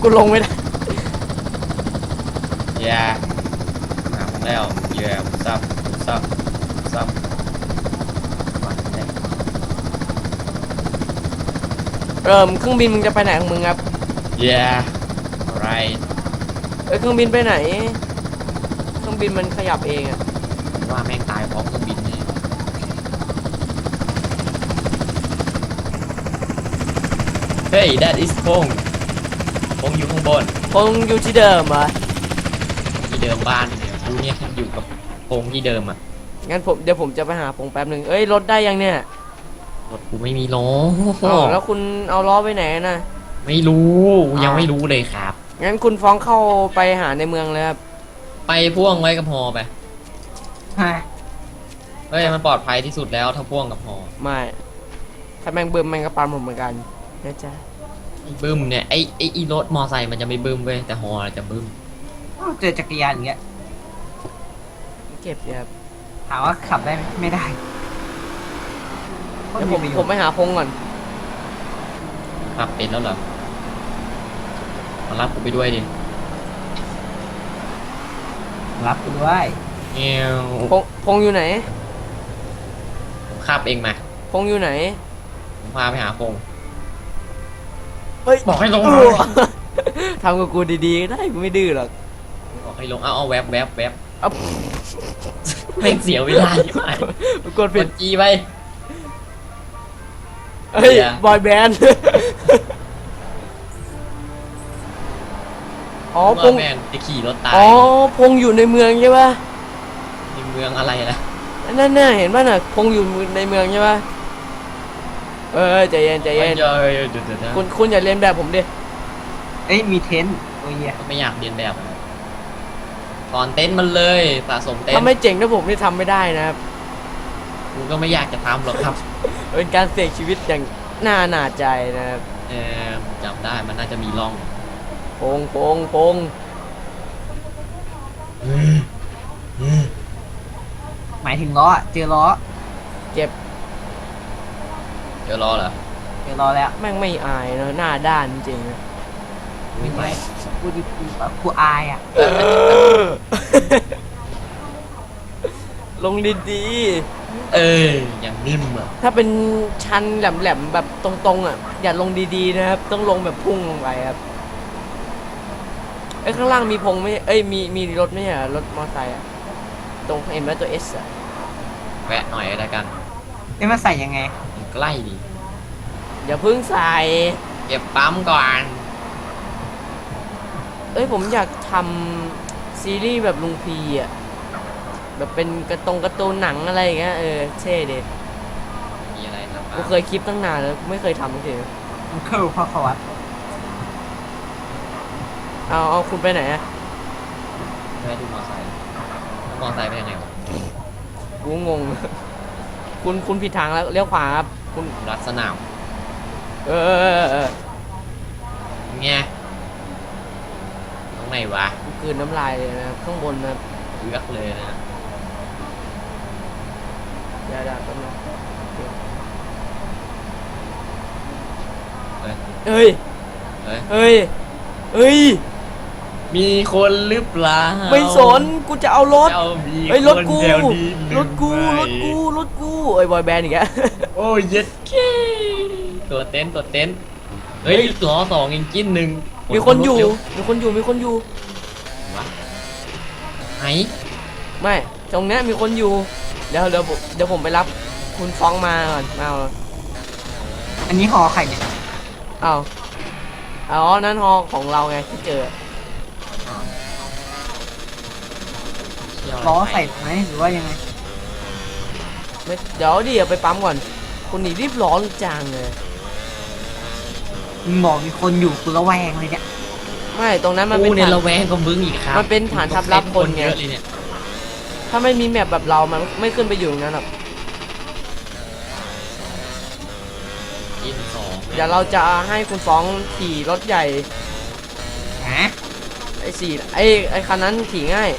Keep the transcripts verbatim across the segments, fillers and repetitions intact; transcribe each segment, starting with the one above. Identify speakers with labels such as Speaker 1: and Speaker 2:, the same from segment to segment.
Speaker 1: กูลงไม่ได้
Speaker 2: แย่หาผมแล้วแย่ซับซับซับ
Speaker 1: เริ่มเครื่องบินมึงจะไปไหนของมึงครับ
Speaker 2: yeah right
Speaker 1: เอ้ยเครื่องบินไปไหนเครื่องบินมันขยับเองอะ
Speaker 2: ว่าแม่งตายพร้อมเครื่องบินนี่เฮ้ย that is พงพงอยู่ข้างบน
Speaker 1: พงอยู่ที่เดิมเหรอ
Speaker 2: ที่เดิมบ้านเนี่ยกูเนี่ยอยู่กับพงที่เดิมอ่ะ
Speaker 1: งั้นผมเดี๋ยวผมจะไปหาพงแป๊บหนึ่งเอ้ยรถได้ยังเนี่ย
Speaker 2: รถกูไม่มีล้อ
Speaker 1: แล้วคุณเอาล้อไปไหนนะ
Speaker 2: ไม่รู้ยังไม่รู้เลยครับ
Speaker 1: งั้นคุณฟ้องเข้าไปหาในเมืองเลยครับ
Speaker 2: ไปพ่วงไว้กับฮอไปเฮ้ยมันปลอดภัยที่สุดแล้วถ้าพ่วงกับฮอ
Speaker 1: ไม่ถ้าแมงบึมแมงกระปันผมเหมือนกันนะจ๊ะ
Speaker 2: ไอ้บึมเนี่ยไอ้ไอ้อีรถมอไซค์มันจะไม่บึมเว้ยแต่ฮอจะบึม
Speaker 3: เจอจักรยานอย่างเงี้ย
Speaker 1: เก็บครับ
Speaker 3: ถามว่าขับได้ไม่ได้
Speaker 1: เดี๋ยวผมผมไปหาพงก่อน
Speaker 2: ขับเป็นแล้วเหรอมารับกูไปด้วยดิ
Speaker 3: รับกูด้วย
Speaker 2: เงี้ย
Speaker 1: พงพงอยู่ไหน
Speaker 2: ผมขับเองมา
Speaker 1: พงอยู่ไหน
Speaker 2: ผมพาไปหาพง
Speaker 1: เฮ้ย
Speaker 2: บอกให้ลง
Speaker 1: ทำกับกูดีๆได้กูไม่ดื้อหรอก
Speaker 2: บอกให้ลงเอาเอาแวบแวบแวบ
Speaker 1: เอา
Speaker 2: ไม่เสียเวลาใช่ไหม
Speaker 1: กดผิด
Speaker 2: จีไป
Speaker 1: เฮ้ยบอยแบนด์อ๋อพง
Speaker 2: แม่งจะขี่รถตาย
Speaker 1: อ๋อพงอยู่ในเมืองใช่ป่ะ
Speaker 2: ในเมืองอะไรนะ
Speaker 1: นั่นน่ะเห็นป่ะน่ะพงอยู่ในเมืองใช่ป่ะเออใจเย็นใจเย็นคุณคุณอย่าเลียนแบบผมดิ
Speaker 3: เอ้ยมีเต็นท์โอ้ย
Speaker 2: ไม่อยากเรียนแบบถอนเต็นท์มันเลยสะสมเต็นท์
Speaker 1: ถ้าไม่เจ๋งถ้าผมนี่ทำไม่ได้นะครับ
Speaker 2: กูก็ไม่อยากจะทำหรอกครับ
Speaker 1: เป็นการเสี่ยงชีวิตอย่างน่าหนาใจนะครับ
Speaker 2: เออจำได้มันน่าจะมีร่อง
Speaker 1: พงพงพง
Speaker 3: หมายถึงล้อเจอล้อ
Speaker 1: เจ็บ
Speaker 2: เจอล้อเหรอ
Speaker 3: เจอล้อแล้ว
Speaker 1: แม่งไม่อายนะหน้าด้านจริงๆ
Speaker 3: ไม่ไม่กูดิกูแบบกูอายอ่ะ
Speaker 1: ลงดี
Speaker 2: ๆเอออย่างนิ่มอ่ะ
Speaker 1: ถ้าเป็นชันแหลมๆแบบตรงๆอ่ะอย่าลงดีๆนะครับต้องลงแบบพุ่งลงไปครับไอ้ข้างล่างมีพงไม่เอ้ยมีมีรถไม่ใช่รถมอเตอร์ไซค์อ่ะตรงเอ็มและตัวเอสอ่ะ
Speaker 2: แวะหน่อยอะไรกัน
Speaker 3: เอ้ยมาใส่ยังไง
Speaker 2: ใกล้ดี
Speaker 1: อย่าเพิ่งใส่
Speaker 2: เก็บปั๊มก่อน
Speaker 1: เอ้ยผมอยากทำซีรีส์แบบลุงพีอ่ะแบบเป็นกระตงกระตูนหนังอะไรอย่างเงี้ยเออเท่เด็ด
Speaker 2: มีอะไรครับ
Speaker 1: กูเคยคลิปตั้งนานแล้วไม่เคยทำเลย
Speaker 3: มันคือพ่อเขาวัด
Speaker 1: เอาเอาคุณไปไหนอะ
Speaker 2: ไปดูมอไซค์มอไซค์ไปยังไงวะ
Speaker 1: กูงงคุณคุณผิดทางแล้วเลี้ยวขวาครับคุณ
Speaker 2: รัดสนาม
Speaker 1: เออเออเออ
Speaker 2: ไงตรงไหนวะ
Speaker 1: กูกลืนน้ำลายเลยนะข้างบนนะ
Speaker 2: เลือกเลยนะ
Speaker 1: อย่าด่ากันนะเฮ้ยเฮ้ยเฮ้ยเฮ้ย
Speaker 2: มีคนหรือเปล่า
Speaker 1: ไม่สนกูจะเอารถเฮ้ยรถกูรถกูรถกูรถกูเอ้ยบอยแบนด์อีกแล้ว
Speaker 2: โอ้ยเย็ดเคตัวเต้นตัวเต้นเฮ้ยล้อสองอินจิ้นหนึ่ง
Speaker 1: มีคนอยู่มีคนอยู่มีคนอยู่
Speaker 2: ไหน
Speaker 1: ไม่ตรงนี้มีคนอยู่เดี๋ยวเดี๋ยวเดี๋ยวผมไปรับคุณฟ้องมาก่อนเอา
Speaker 3: อันนี้หอใครเนี่ย
Speaker 1: เอาอ๋อนั้นฮอของเราไงที่เจอ
Speaker 3: ล้อใส่ไหมหรือว่ายังไง
Speaker 1: ไม่เดี๋ยวดิไปปั๊มก่อนคุณหนีรีบร้อนจังเลย
Speaker 3: มึงบอกมีคนอยู่กูระแวงเลยเนี่ย
Speaker 1: ไม่ตรงนั้นมันเป็น
Speaker 2: ฐานระแวงก็มึงอีกครับ
Speaker 1: มันเป็นฐานทัพลับคนไงถ้าไม่มีแมปแบบเรามันไม่ขึ้นไปอยู่ตรงนั้นหรอกเดี๋ยวเราจะให้คุณฟ้องขี่รถใหญ่
Speaker 3: ฮะ
Speaker 1: ไอ้สี่ไอ้ไอ้คันนั้นขี่ง่าย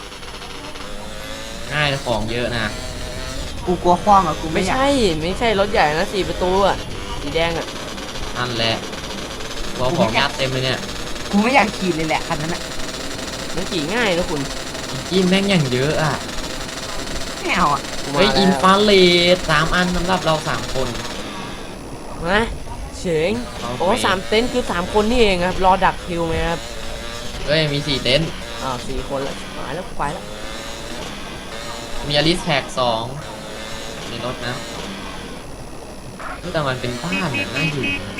Speaker 2: ง่ายแต่ของเยอะนะ
Speaker 3: กูกลัวคว้างอ่ะกู
Speaker 1: ไม่ใช่ไม่ใช่รถใหญ่นะสี่ประตูอ่ะสีแดงอ่ะ
Speaker 2: นั่นแหละบอกของยัดเต็มเลยเนี่ย
Speaker 3: กกูไม่อยากขี่เลยแหละคันนั้นอ่ะ
Speaker 1: มันขี่ง่ายนะคุณ
Speaker 2: อินจินแม่งอย่างเยอะอ่ะ
Speaker 3: ไม่เอาอ่ะ
Speaker 1: กูมา
Speaker 2: เฮ้ย
Speaker 1: แล้ว
Speaker 2: อินฟาเรดสามอันสำหรับเราสามคน
Speaker 1: นะเฉง
Speaker 2: เอา
Speaker 1: โอ้
Speaker 2: ไป
Speaker 1: สามเต็นท์คือสามคนนี่เองครับรอดักคิวไหมครับ
Speaker 2: เฮ้ยมีสี่เต็นท์
Speaker 1: อ้าวสี่คนละหายแล้วไปแล้ว
Speaker 2: มีอลิสแท็กสองในรถนะแต่มันเป็นบ้านน่ะน่าอยู่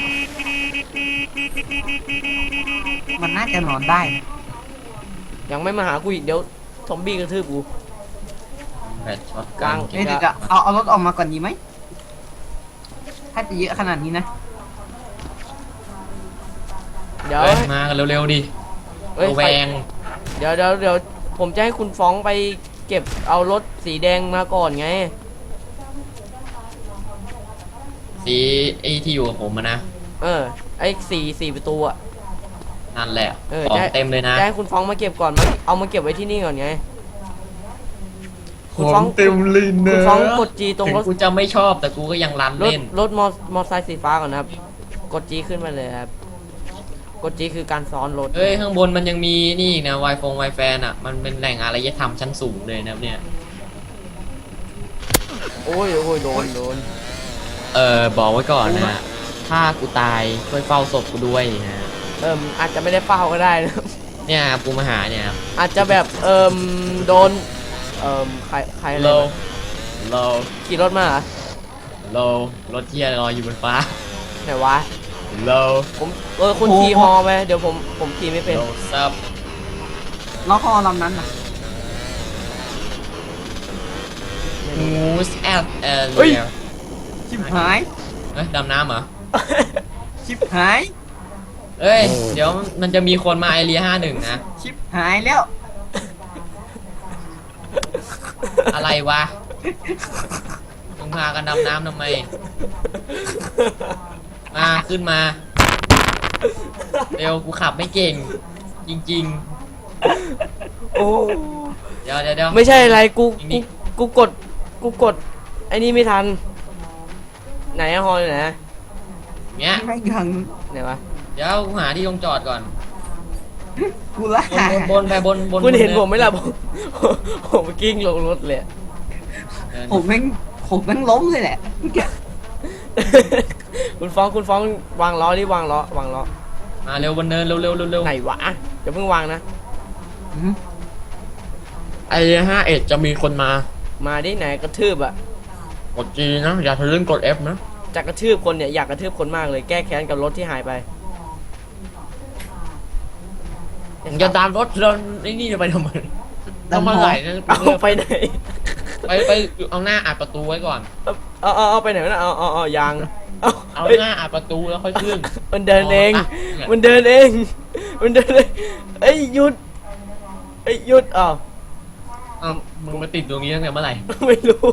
Speaker 3: มันน่าจะนอนได้นะ
Speaker 1: ยังไม่มาหากูอีกเดี๋ยวซอมบี้กระทืบกู
Speaker 2: แบตช็อต
Speaker 1: กลาง
Speaker 3: เอ้ยเดี๋ยวจะเอาเอารถออกมาก่อนดีไหมถ้าจะเยอะขนาดนี้นะ
Speaker 1: เดี๋ยว
Speaker 2: เฮ้ยมากันเร็วๆดิ
Speaker 1: เอ้ย
Speaker 2: ระแวง
Speaker 1: เดี๋ยวเดี๋ยวเดี๋ยวผมจะให้คุณฟ้องไปเก็บเอารถสีแดงมาก่อนไง
Speaker 2: สีไอที่อยู่กับผมอะนะ
Speaker 1: เออไอ้สี่สี่ประตูอะ
Speaker 2: นั่นแหละ
Speaker 1: เออ
Speaker 2: ของ
Speaker 1: ได้
Speaker 2: เต็มเลยนะ
Speaker 1: จะให้คุณฟ้องมาเก็บก่อนมาเอามาเก็บไว้ที่นี่ก่อนไง
Speaker 2: ข
Speaker 1: คุณ
Speaker 2: อ
Speaker 1: ฟ้อง
Speaker 2: งเต็มเลย
Speaker 1: คุ
Speaker 2: นะ
Speaker 1: ณฟ้องกดจีตรง
Speaker 2: ถึง
Speaker 1: รถ
Speaker 2: กูจะไม่ชอบแต่กูก็ยังรัน
Speaker 1: รถ
Speaker 2: เล่น
Speaker 1: รถมอมอไซค์สีฟ้าก่อนนะครับ กดจีขึ้นมาเลยครับ กดจีคือการซ้อนรถ
Speaker 2: เฮ้ยข้างบนมันยังมีนี่อีกนะไวฟงไวแฟนอ่ะมันเป็นแหล่งอารยธรรมชั้นสูงเลยนะครับเนี่ย
Speaker 1: โอ้ยโอ้ยโดนโดน
Speaker 2: เออบอกไว้ก่อนนะ ถ้ากูตายช่วยเฝ้าศพกูด้วยนะ
Speaker 1: เอิมอาจจะไม่ได้เฝ้าก็ได้นะ
Speaker 2: เนี่ยกูมาหาเนี่ยครับ
Speaker 1: อาจจะแบบเอิมโดนเอิมใครใครอะไร
Speaker 2: โล
Speaker 1: มา
Speaker 2: โล
Speaker 1: ขี่รถมาเหรอ
Speaker 2: โลรถเที่ยลอยอยู่บนฟ้า
Speaker 1: ไหนวะ
Speaker 2: โล
Speaker 1: ผมเออคุณขี่ฮอไปเดี๋ยวผมผมขี่ไม่เป็น
Speaker 2: โลซับ
Speaker 3: ล้อคอลำนั้นนะ
Speaker 2: มูสแอดเอล
Speaker 1: เฮ้ย
Speaker 3: ชิบหาย
Speaker 2: เฮ้ยดำน้ำเหรอ
Speaker 3: ชิบหาย
Speaker 2: เอ้ยเดี๋ยวมันจะมีคนมาไอเรียห้าหนึ่งนะ
Speaker 3: ชิบหายแล้ว
Speaker 2: อะไรวะมึงพากันดำน้ำทำไม มาขึ้นมา เร็วกูขับไม่เก่ง จริง
Speaker 1: โอ้
Speaker 2: ๆ เดี๋ยวเดี๋ยวเดี๋ยว
Speaker 1: ไม่ใช่อะไรกู
Speaker 2: นี่
Speaker 1: กูกูกดกูกดไอ้นี่ไม่ทัน ไหนอะฮออยู่ไหนอะ
Speaker 2: เงี้ย
Speaker 3: ไม่ยัง
Speaker 1: ไหนวะ
Speaker 2: เดี๋ยวกูหาที่ลงจอดก่อน
Speaker 3: กูละ
Speaker 2: บนบนบนไปบนบน
Speaker 1: คุณเห็น
Speaker 2: บ
Speaker 1: ผมไหมล่ะผมผมกิ้งลงรถเลย
Speaker 2: เดิน
Speaker 3: ผมแม่งผมแม่งล้มเลยแหละเมื่อกี้
Speaker 1: คุณฟ้องคุณฟ้องวางล้อดิวางล้อวางล้อ
Speaker 2: มาเร็วบนเนินเร็วเร็วเร็วเร็ว
Speaker 1: ไหนวะอย่าเพิ่งวางนะ
Speaker 3: อืม
Speaker 2: ไอห้าเอ็ดจะมีคนมา
Speaker 1: มาดิไหนกระทืบอะ
Speaker 2: กดจีนะ อย่าทะลึ่งกด F นะ
Speaker 1: จะกระทืบคนเนี่ยอยากกระทืบคนมากเลยแก้แค้นกับรถที่หายไป
Speaker 2: มึงจะตามรถเราไอ้นี่จะไปทำไมต้องมาไหลนะ
Speaker 1: เอาไปไหน
Speaker 2: ไปไปเอาหน้าอัดประตูไว้ก่อน
Speaker 1: เอาเอาเอาไปไหนวะนะเอาเอาเอายางเอา
Speaker 2: เอา
Speaker 1: เอ้ย
Speaker 2: หน้าอัดประตูแล้วค่อยขึ้น
Speaker 1: มันเดินเอง
Speaker 2: อ๋ออ่ะ
Speaker 1: มันเดินเอง มันเดินเองเอ้ยหยุดเอ้ยหยุดอ้าว
Speaker 2: อ้าวมึงมาติดตรงนี้ตั้งแต่เมื่อไหร่
Speaker 1: ไม่รู้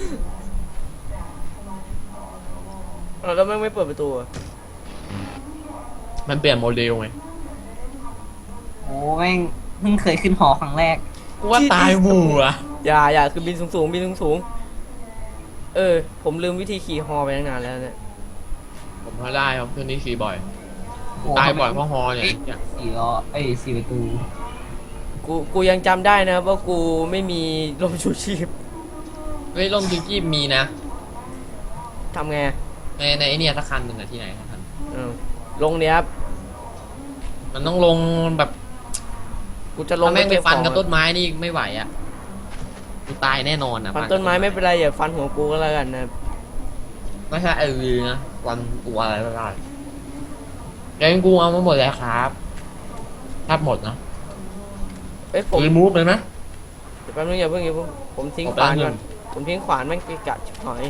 Speaker 1: เอาแล้วแม่งไม่เปิดประตูอะ
Speaker 2: มันเปลี่ยนโมเดลไง
Speaker 3: โอ้แม่งเพิ่งเคยขึ้นหอครั้งแรก
Speaker 2: กูว่าตายหมู่อ่ะ
Speaker 1: อย่าอย่าคือบินสูงสูงๆบินสูงสูงๆเออ ผมลืมวิธีขี่ฮอไปตั้งนานแล้วเนี่ย
Speaker 2: ผมพอได้ครับเพื่อนนี่ขี่บ่อย
Speaker 3: โอ้
Speaker 2: ตายบ่อยเพราะฮอเนี่ย
Speaker 3: สี่ล้อเอ้ยสี่ประตู
Speaker 1: กูกูยังจำได้นะว่ากูไม่มีลมชูชีพ
Speaker 2: เฮ้ยร่มจิ้งจี้มีนะ
Speaker 1: ทำไง
Speaker 2: ในในไอเนี่ยสักคันหนึ่งอะที่ไหนสักคัน
Speaker 1: เออลงเนี้ยครับ
Speaker 2: มันต้องลงแบบ
Speaker 1: กูจะลง
Speaker 2: ถ้าแม่งไป
Speaker 1: เก็บ
Speaker 2: ฟัน
Speaker 1: ของ
Speaker 2: กับต้นไม้นี่ไม่ไหวอ่ะกูตายแน่นอนอ่ะ
Speaker 1: ฟันต้นไม้ไม่เป็นไรอย่าฟันหัวกูก็แล้วกันนะ
Speaker 2: ไม่ใช่ไอวีนะฟันตัวอะไรก็ได้แกงกูเอามาหมดแล้วครับถ้าหมดนะ
Speaker 1: เอ้ยผม
Speaker 2: รีมูฟเลยไหม
Speaker 1: เดี๋ยวแป๊บนึงอย่าเพิ่งอย่าเพิ่งผมทิ้ง
Speaker 2: ผม
Speaker 1: ขวาน
Speaker 2: แป๊บนึง
Speaker 1: ก่อนผมทิ้งขวานแม่งไปกะชิบหาย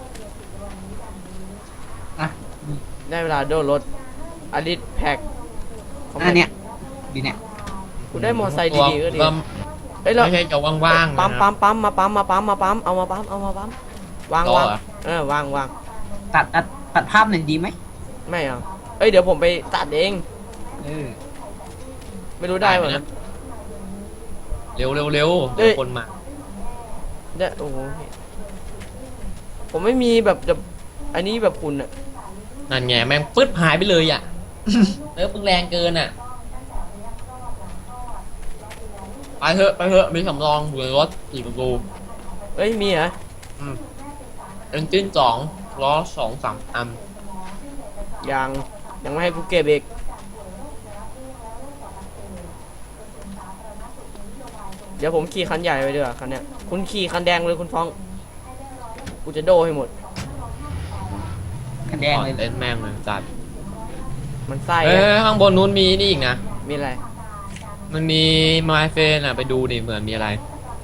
Speaker 3: อ่ะ
Speaker 1: ได้เวลาโดนรถอลิสแพ็ค
Speaker 3: อันเนี้ยดีเนี่ย
Speaker 1: กูได้มอไซค์ดีๆก็ดี
Speaker 2: ก็
Speaker 1: เอ้ยเรา
Speaker 2: ไม่ใช่จะว่างๆ
Speaker 1: ปั๊ม
Speaker 2: นะ
Speaker 1: ปั๊มปั๊มมาปั๊มมาปั๊มมาปั๊มเอามาปั๊มเอามาปั๊มวาง
Speaker 2: ต่อ
Speaker 1: วาง
Speaker 2: เหรอ
Speaker 1: เออวางวาง
Speaker 3: ตัดตัดตัดภาพหน่อยดีไหม
Speaker 1: ไม่เอาเอ้ยเดี๋ยวผมไปตัดเอง
Speaker 3: เออ
Speaker 1: ไม่รู้ได้เหมือน
Speaker 2: ได้
Speaker 1: กัน
Speaker 2: นะ เร็วเร็วเร็ว
Speaker 1: เอ้ย
Speaker 2: คนมา
Speaker 1: ได้โอ้โหผมไม่มีแบบแบบอันนี้แบบคุณอะ
Speaker 2: นั่นไงแม่งปึ๊ดหายไปเลยอ่ะ เออมึงแรงเกินอ่ะไปเถอะไปเถอะมีสำรองอยู่ในรถสี่ประตู
Speaker 1: เอ้ยมีเหรอ
Speaker 2: เอนจินสองล้อสองสามอัน
Speaker 1: ยังยังไม่ให้กูเก็บอีกเดี๋ยวผมขี่คันใหญ่ไปดีกว่าคันเนี้ยคุณขี่คันแดงเลยคุณฟ้องกูจะโดให้หมด
Speaker 3: คะแนนเลย
Speaker 2: เล่นแม่งเลยจัด
Speaker 1: มันไส้
Speaker 2: เอ้
Speaker 1: อะ
Speaker 2: ยข้างบนนู้นมีนี่อีกนะ
Speaker 1: มีอะไร
Speaker 2: มันมีมาเฟนอ่ะไปดูดิเหมือนมีอะไร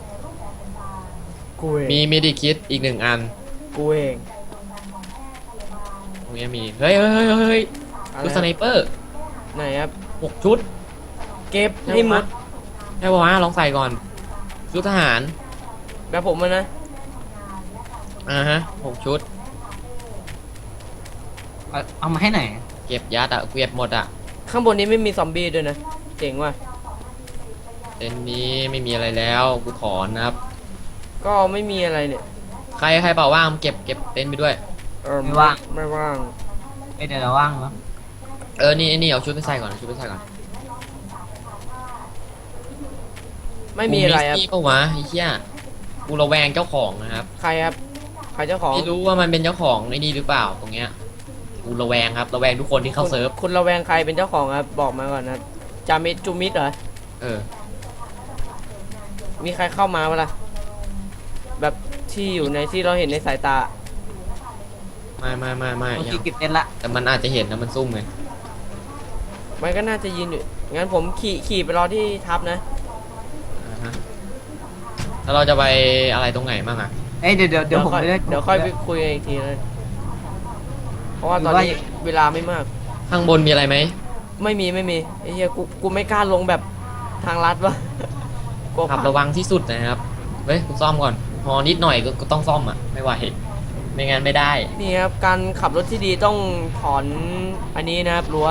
Speaker 1: กูเอง
Speaker 2: มีมิดิคิดอีกหนึ่งอัน
Speaker 1: กูเอง
Speaker 2: ตรงนี้มีเฮ้ยเฮ้ยเฮ้ยเฮ้ย
Speaker 1: อะไร
Speaker 2: ชุดสไนเปอร์
Speaker 1: ไหนครับ
Speaker 2: หกชุด
Speaker 1: เก็บให้หมด
Speaker 2: ให้บอกว่าลองใส่ก่อนชุดทหาร
Speaker 1: แบบผมมันนะ
Speaker 2: อ่าฮะหกชุด
Speaker 3: เอาเอามาให้หน่อย
Speaker 2: เก็บยัดอ่ะเก็บหมดอ่ะ
Speaker 1: ข้างบนนี้ไม่มีซอมบี้ด้วยนะเจ๋งว่ะ
Speaker 2: เต็นท์นี้ไม่มีอะไรแล้วกูถอนนะครับ
Speaker 1: ก็ไม่มีอะไรเนี่ย
Speaker 2: ใครใครเปล่าว่างเก็บเก็บเต็นท์ไปด้วย
Speaker 1: เออ
Speaker 3: ไม่ว่าง
Speaker 1: ไม่ว่าง
Speaker 3: เอ้ยเดี๋ยวเราว่างแล้ว
Speaker 2: เออนี่นี่เอาชุดไปใส่ก่อนเอาชุดไปใส่ก่อน
Speaker 1: ไม่มีอะไรครับ
Speaker 2: กูนี่ปะวะไอ้เหี้ยกูระแวงเจ้าของนะครับ
Speaker 1: ใครครับใครเจ้าของ
Speaker 2: ไม่รู้ว่ามันเป็นเจ้าของไอ้นี่หรือเปล่าตรงเนี้ยกูระแวงครับระแวงทุกคนที่เข้า
Speaker 1: คุณ
Speaker 2: เซิร์ฟ
Speaker 1: คุณระแวงใครเป็นเจ้าของครับบอกมาก่อนนะจามิดจูมิดเหรอ
Speaker 2: เออ
Speaker 1: มีใครเข้ามาเปะล่าแบบที่อยู่ในที่เราเห็นในสายตา
Speaker 2: ไม่ไม่ไม่ไม่
Speaker 3: โอเค
Speaker 2: ยัง
Speaker 3: เก็บเต็นท์ละ
Speaker 2: แต่มันอาจจะเห็นนะมันซุ่มไง
Speaker 1: มันก็น่าจะยืนอยู่งั้นผมขี่ขี่ไปรอที่ทับนะ
Speaker 2: อ่าฮะแล้วเราจะไปอะไรตรงไหนบ้างอ่ะ
Speaker 3: เอ้ยเดี๋ยวเดี๋ยวเดี๋ยวผม
Speaker 1: ค่อย
Speaker 3: ไปด้วย
Speaker 1: เดี๋ยวค่อยไปคุยกันอีกทีนะเพราะว่าตอนนี้เวลาไม่มาก
Speaker 2: ข้างบนมีอะไรไหม
Speaker 1: ไม่มีไม่มีไอ้เหี้ยกูกูไม่กล้าลงแบบทางลัดวะ กลัว
Speaker 2: ขับ
Speaker 1: พัง
Speaker 2: ระวังที่สุดนะครับเฮ้ยกูซ่อมก่อนพอนิดหน่อยก็ก็ต้องซ่อมอ่ะไม่ไหวไม่งั้นไม่ได้
Speaker 1: นี่ครับการขับรถที่ดีต้องถอนอันนี้นะครับรั้ว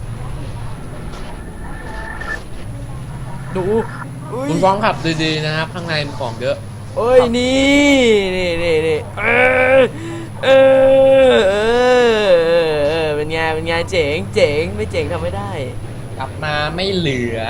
Speaker 1: ดูอุ้ย
Speaker 2: คุณฟ้องขับดีๆนะครับ ข้างในมีของเยอะ
Speaker 1: เอ้ยนี่นี่นี่นี่เออเออเออเออเป็นไงเป็นไงเจ๋งเจ๋งไม่เจ๋งทำไม่ได้
Speaker 2: กลับมาไม่เหลือ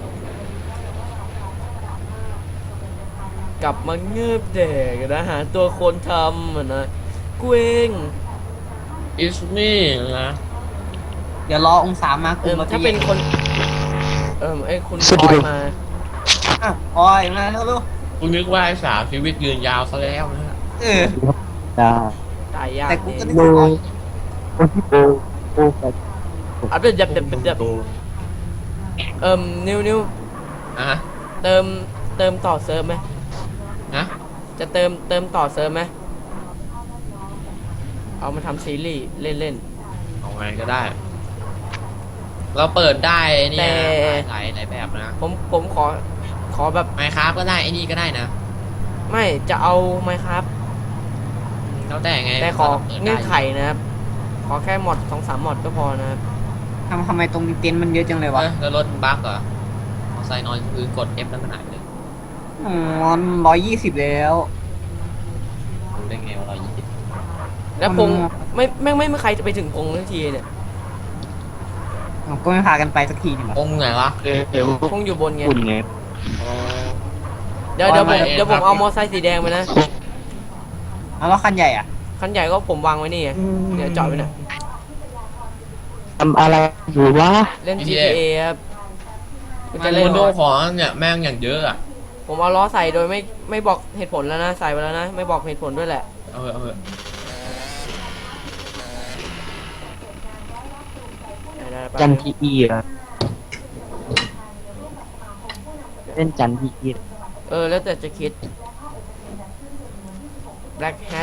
Speaker 1: กลับมาเงือบเด็กนะหาตัวคนทำอ่ะนะกูเอง
Speaker 2: อิสนี่นะ
Speaker 3: เดี๋ยวรอองศามา
Speaker 1: เอ
Speaker 3: คุม
Speaker 1: อ
Speaker 3: เรา
Speaker 1: ถ้า
Speaker 3: จะ
Speaker 1: เป็น
Speaker 3: แยก
Speaker 1: คนเออไอ้คุณพลอยมา
Speaker 3: อ้าวโอ้ยมาเร็ว
Speaker 2: กูนึกว่าไอ้สาวชีวิตยืนยาวซะแล้วนะฮะ
Speaker 3: ๆเออ
Speaker 4: จ้า
Speaker 1: ตายยาก
Speaker 3: แต่กู
Speaker 1: นี่
Speaker 3: ก็นึกว่าอ๋อ
Speaker 4: คนที่โบโบกัน
Speaker 1: อ่ะเดี๋ยวเดี๋ยวเดี๋ยวเดี๋ยวเอิ่มนิวนิว
Speaker 2: อ่ะฮะ
Speaker 1: เติมเติมต่อเซิร์ฟไหม
Speaker 2: นะ
Speaker 1: จะเติมเติมต่อเซิร์ฟไหมเอามาทำซีรีส์เล่นเล่น
Speaker 2: เอาไงก็ได้ เราเปิดได้เนี่
Speaker 1: แต่
Speaker 2: ยหลายหลายแบบนะ
Speaker 1: ผมผมขอขอแบบ
Speaker 2: ไมครับก็ได้ไอ้นี่ก็ได้นะ
Speaker 1: ไม่จะเอาไหมครับ
Speaker 2: แล้วแต่ไง
Speaker 1: แต่ขอ
Speaker 2: ราปิดด้
Speaker 1: เงื่อนไขนะครับ ขอแค่หมดสองสามหมดก็พอนะครับ
Speaker 3: ทำทำไมตรงนี้เต็นท์มันเยอะจังเลยวะ
Speaker 2: เอ้ยแล้วรถมันบั๊กเหรอมอไซค์นอนพื้นกด F แล้วมันหายไปเลย
Speaker 3: อ๋อร้อยยี่สิบแล้ว
Speaker 2: รู้ได้ไงว่าเรายี่สิบ
Speaker 1: แล้วพง
Speaker 3: อืม
Speaker 1: ไม่ไม่ไม่ไม่ใครจะไปถึงพงทันทีเนี่ย
Speaker 3: อ๋อก็ไม่พากันไปสักทีนี่หรอ
Speaker 2: องค์ไหนวะ
Speaker 4: เดี๋ยว
Speaker 1: พงอยู่บนไง
Speaker 4: คุณไง
Speaker 2: อ๋อ
Speaker 1: เดี๋ยวเดี๋ยวผม
Speaker 2: ไม่
Speaker 1: เดี๋ยวผม
Speaker 2: ครับ
Speaker 1: เอามอไซค์สีแดงไปนะ
Speaker 3: เอาแล้วคันใหญ่อ่ะ
Speaker 1: คันใหญ่ก็ผมวางไว้นี่ไงเดี๋ยวจอดไว้น่ะ
Speaker 4: ทำอะไรอยู่วะ
Speaker 1: เล่น
Speaker 2: GTA
Speaker 1: G T A ครับกู
Speaker 2: มั
Speaker 1: จะ
Speaker 2: น
Speaker 1: เล่น
Speaker 2: โดของเนี่ยแม่งอย่างเยอะอ่ะ
Speaker 1: ผมเอาล้อใส่โดยไม่ไม่บอกเหตุผลแล้วนะใส่ไปแล้วนะไม่บอกเหตุผลด้วยแหละ
Speaker 2: เอาเถอะเอาเถอะ
Speaker 1: ได้ได้ไป
Speaker 4: จันทีอีอะเล่นจันทีอี
Speaker 1: เออแล้วแต่จะคิด Black Hat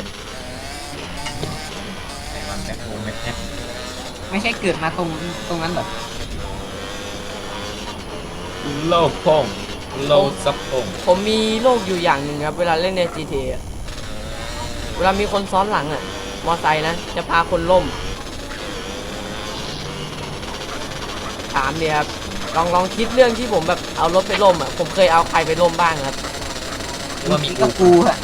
Speaker 2: ไหนวันแบ็คโฮมแบ็คแฮก
Speaker 3: ไม่ใช่เกิดมาตรงตรงนั้นเหรอ
Speaker 2: โลกพงโลกซับพง
Speaker 1: ผมมีโรคอยู่อย่างหนึ่งครับ เวลาเล่นใน G T A อะเวลามีคนซ้อนหลังอ่ะ มอไซค์นะ จะพาคนล่ม ถามเดียครับ ลองลองคิดเรื่องที่ผมแบบเอารถไปล่มอ่ะ ผมเคยเอาใครไปล่มบ้างครับ
Speaker 2: หรือว่ามี
Speaker 3: มี
Speaker 2: กู
Speaker 3: กับกูอะ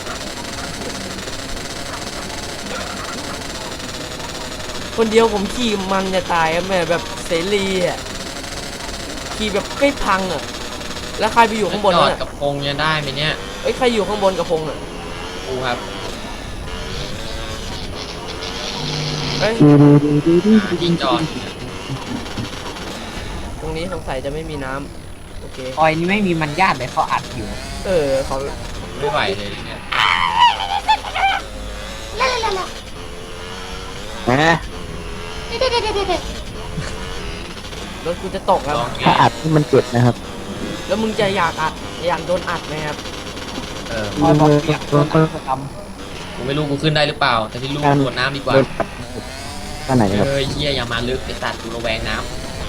Speaker 1: คนเดียวผมขี่มันจะตายครับแม่แบบเสรีอ่ะ ขี่แบบใกล้พังอ่ะแล้วใครไปอยู่ข้างบน
Speaker 2: จอ
Speaker 1: วะ
Speaker 2: ด
Speaker 1: เนี่ย
Speaker 2: กับพงยังได้ไหมเนี่ย
Speaker 1: เอ้ยใครอยู่ข้างบนกับพงษ์อ่ะ
Speaker 2: กูครับ
Speaker 1: เอ้ย
Speaker 4: ดูดูดูดูดู
Speaker 2: ยิงจอด
Speaker 1: ตรงนี้สงสัยจะไม่มีน้ำโอเค
Speaker 3: ออยนี่ไม่มีมันญาติเลยเขาอัดอยู่
Speaker 1: เออเขา
Speaker 2: ไม่ไหวเลยเนี่ย
Speaker 4: นะ
Speaker 1: รถกูจะตกครับ
Speaker 2: ลองไง
Speaker 4: ถ้าอัดนี่มันเจ็บนะครับ
Speaker 1: แล้วมึงจะอยากอัดอยากโดนอัดไหมครับ
Speaker 2: เออ
Speaker 3: ออยบอกอยากโดนอัดท
Speaker 2: กูไม่รู้กูขึ้นได้หรือเปล่า แต่ที่รู้
Speaker 4: การ
Speaker 2: โดดน้ำดีกว่า
Speaker 4: โดนท่าไหนครับ
Speaker 2: เฮ้ยเฮียอย่ามาลึกไอ้สัตว์กูระแวงน้ำ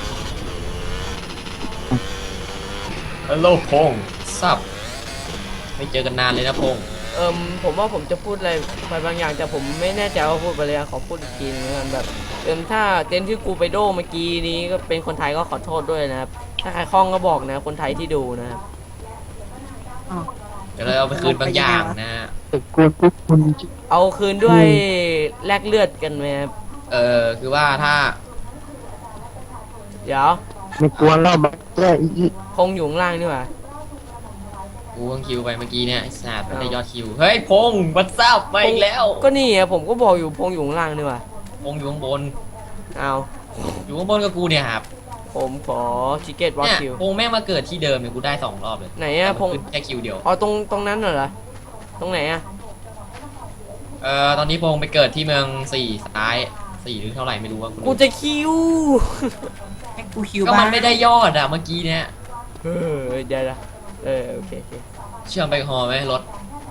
Speaker 2: ฮัลโหลพงซับไม่เจอกันนานเลยนะพง
Speaker 1: เอิมผมว่าผมจะพูดอะไรไปบางอย่างแต่ผมไม่แน่ใจว่าพูดไปเลยอะขอพูดอีกทีนึงแล้วกันแบบเอิมถ้าเต็นท์ที่กูไปโดเมื่อกี้นี้ก็เป็นคนไทยก็ขอโทษด้วยนะครับถ้าใครคล่องก็บอกนะคนไทยที่ดูนะครับ
Speaker 3: ำอ้าว
Speaker 2: เดี๋ยวเราเอาไปคืนบางอย่างนะ
Speaker 4: แต่กวนปุ๊บคุณ
Speaker 1: เอาคืนด้วยแลกเลือดกันไหมครับ
Speaker 2: เออคือว่าถ้า
Speaker 1: เดี๋ยว
Speaker 4: ไม่กวนเราแบบแย่อีก
Speaker 1: คงอยู่ข้างล่างนี่หว่า
Speaker 2: กูเพิ่งคิวไปเมื่อกี้เนี่ยไอ้สัตว์ไม่ได้ยอดคิว เฮ้ยพงวัดซับมาอีกแล้ว
Speaker 1: ก็นี่อะผมก็บอกอยู่พงอยู่ข้างล่างนี่หว่า
Speaker 2: พงอยู่ข้างบน
Speaker 1: เอา
Speaker 2: อยู่ข้างบนกับกูเนี่ยครับ
Speaker 1: ผมขอชิเกตวอ
Speaker 2: เนี่ย
Speaker 1: คิว
Speaker 2: พงแม่งมาเกิดที่เดิมเนี่ยกูได้สองรอบเลย
Speaker 1: ไหนอะพง
Speaker 2: แต่มันขึ้นแค่คิวเดียว
Speaker 1: อ๋อตรงตรงนั้นเหรอตรงไหนอะ
Speaker 2: เอ่อตอนนี้พงไปเกิดที่เมืองสี่ซ้ายสี่หรือเท่าไหร่ไม่รู้ว่า
Speaker 1: กูจะคิว
Speaker 3: ให้กูคิว
Speaker 2: ก็
Speaker 3: บ้า
Speaker 2: มั
Speaker 3: ง
Speaker 2: นไม่ได้ยอดอะเมื่อกี้เนี่ย
Speaker 1: เออเดี๋ยวนะเออโอเคโอเค
Speaker 2: เชื่อมไปฮอไหมรถ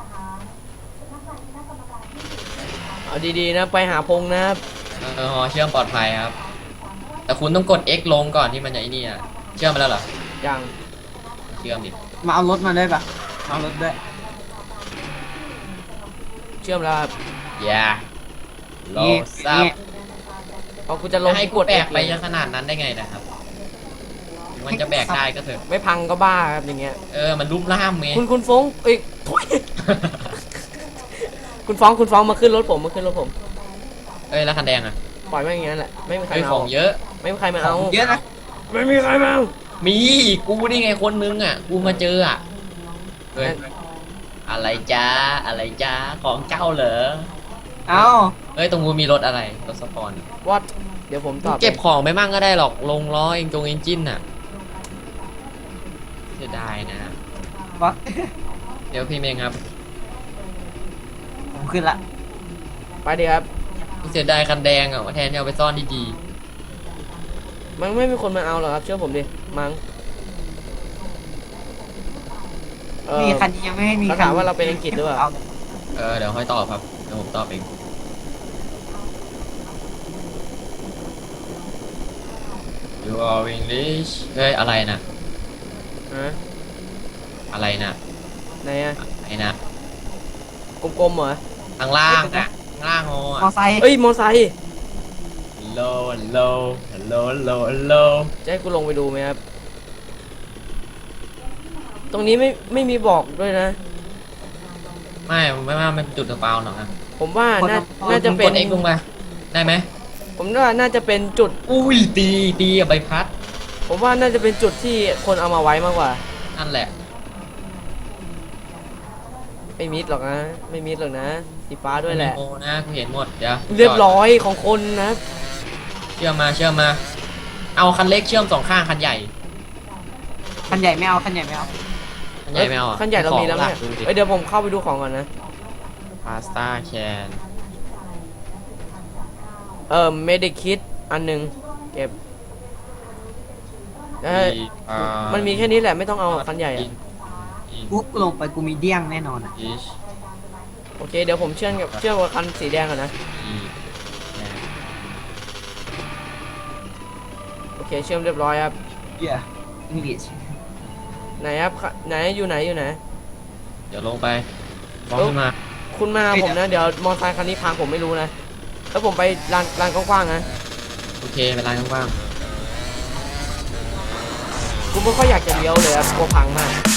Speaker 1: เอาดีๆนะไปหาพงนะครับ
Speaker 2: เออฮอเชื่อมปลอดภัยครับ แต่คุณต้องกด X ลงก่อนที่มันจะไอ้นี่อะเชื่อมมาแล้วเหรอ
Speaker 1: ยัง
Speaker 2: เชื่อมดิ
Speaker 3: มาเอารถมาด้วยปะมาเอารถด้วย
Speaker 1: เชื่อมแล้วครับ
Speaker 2: อย่าโล
Speaker 3: นี่
Speaker 2: ซับ
Speaker 3: นี่
Speaker 1: พอกูจะลง
Speaker 2: ให้
Speaker 1: ก
Speaker 2: กู
Speaker 1: ด
Speaker 2: แบก
Speaker 1: X
Speaker 2: ไป
Speaker 1: เลย
Speaker 2: ขนาดนั้นได้ไงนะครับ มันจะแบกได้ก็เถอะ
Speaker 1: ไม่พังก็บ้าครับอย่างเงี้ย
Speaker 2: เออ มันรูปร่ามไง
Speaker 1: คุณคุณฟ้องเอ้ย โถ่คุณฟ้องคุณฟ้องมาขึ้นรถผมมาขึ้นรถผม
Speaker 2: เอ้ย แล้วคันแดงอ่ะ
Speaker 1: ปล่อยไว้อย่างนั้นแหละไม่มีใคร
Speaker 2: เฮ้ย
Speaker 1: มา
Speaker 2: ขอ
Speaker 1: เอา
Speaker 2: งเยอะ
Speaker 1: ไม่มีใครมา
Speaker 3: ขอ
Speaker 1: เอา
Speaker 3: งเยอะนะ
Speaker 1: ไม่มีใครมาเอา
Speaker 2: มี กูนี่ไงคนนึงอ่ะ กูมาเจออ่ะ เฮ้ย อะไรจ้า อะไรจ้า ของเจ้าเหรอ
Speaker 3: เอา
Speaker 2: เฮ้ย ตรงกูมีรถอะไร รถสปอน
Speaker 1: วัดเดี๋ยวผมตอบ
Speaker 2: เก็บของไปมั่งก็ได้หรอก ลงล้อเองจงเอนจินน่ะเสียดายนะ
Speaker 3: วะ
Speaker 2: เดี๋ยวพี่เมงครับ
Speaker 3: ผมขึ้นละ
Speaker 1: ไปดีครับ
Speaker 2: เสียดายคันแดงอ่ะว่าแทนที่เอาไปซ่อนดี
Speaker 1: มันไม่มีคนมาเอาหรอกครับเชื่อผมดิมั้งเออ
Speaker 3: นี่คันนี้ยังไม่ให้มี
Speaker 1: เขาถามว่าเราเป็นอังกฤษหรือเปล่า
Speaker 2: ๆ เออ เดี๋ยวค่อยตอบครับ เดี๋ยวผมตอบเอง You are English เฮ้ย อะไรนะ
Speaker 1: ฮะ
Speaker 2: อะไรนะ
Speaker 1: ไหนอะ
Speaker 2: อะไรนะ
Speaker 1: กลมๆเหรอ
Speaker 2: ข้างล่างอ่ะ ข้างล่างโฮ
Speaker 3: มอ
Speaker 2: อ่ะ
Speaker 3: ไซค์
Speaker 1: เอ้ยมอไซค์
Speaker 2: Hello Hello Hello Hello Hello
Speaker 1: จะให้กูลงไปดูไหมครับ ตรงนี้ไม่ไม่มีบอกด้วยนะ
Speaker 2: ไม่ไม่ไม่มันจุดสปาวหรอกนะ
Speaker 1: ผมว่าน่าน่าจะ
Speaker 2: ก
Speaker 1: เป็น
Speaker 2: ด X ลงมาได้ไหม
Speaker 1: ผมว่าน่าจะเป็นจุด
Speaker 2: อุ้ยตีตีอะใบพัด
Speaker 1: ผมว่าน่าจะเป็นจุดที่คนเอามาไว้มากกว่า
Speaker 2: นั่นแหละ
Speaker 1: ไม่มิดหรอกนะ ไม่มิดหรอกนะ สีฟ้าด้วยแหละ
Speaker 2: โอ้นะกูเห็นหมด เดี๋ยว
Speaker 1: เรียบร้อยของคนนะ
Speaker 2: เชื่อมมาเชื่อมมา เอาคันเล็กเชื่อมสองข้างคันใหญ่
Speaker 3: คันใหญ่ไม่เอาคันใหญ่ไม่เอา
Speaker 2: คันใหญ่ไม่เอาอ่ะ
Speaker 1: ขั้นใหญ่เรามีแล้วเนี่ย
Speaker 2: ดูดิ
Speaker 1: เอ้ยเดี๋ยวผมเข้าไปดูของก่อนนะ
Speaker 2: พาสต้าแคน
Speaker 1: เอ่อเมดิคิดอันหนึ่งเก็บเอ้ยมันมีแค่นี้แหละไม่ต้องเอาคันใหญ่อะ
Speaker 3: ปุ๊บลงไปกูมีเดี้ยงแน่นอนอ่ะ
Speaker 2: อิช
Speaker 1: โอเคเดี๋ยวผมเชื่อมกับเชื่อมกับคันสีแดงก่อนนะ
Speaker 2: อีแน
Speaker 1: โอเคเชื่อมเรียบร้อยครับ
Speaker 3: เหี้ยอังกฤษ
Speaker 1: ไหนครับขไหนอยู่ไหนอยู่ไหน
Speaker 2: เดี๋ยวลงไปฟ้องขึ้นมา
Speaker 1: คุณมาหาผมนะเดี๋ยวมอเตอร์ไซค์คันนี้พังผมไม่รู้นะแล้วผมไปลานลานกว้างๆนะ
Speaker 2: โอเคไปร้านกว้าง
Speaker 1: กูไม่ค่อยอยากจะเลี้ยวเลยครับกลัวพังมาก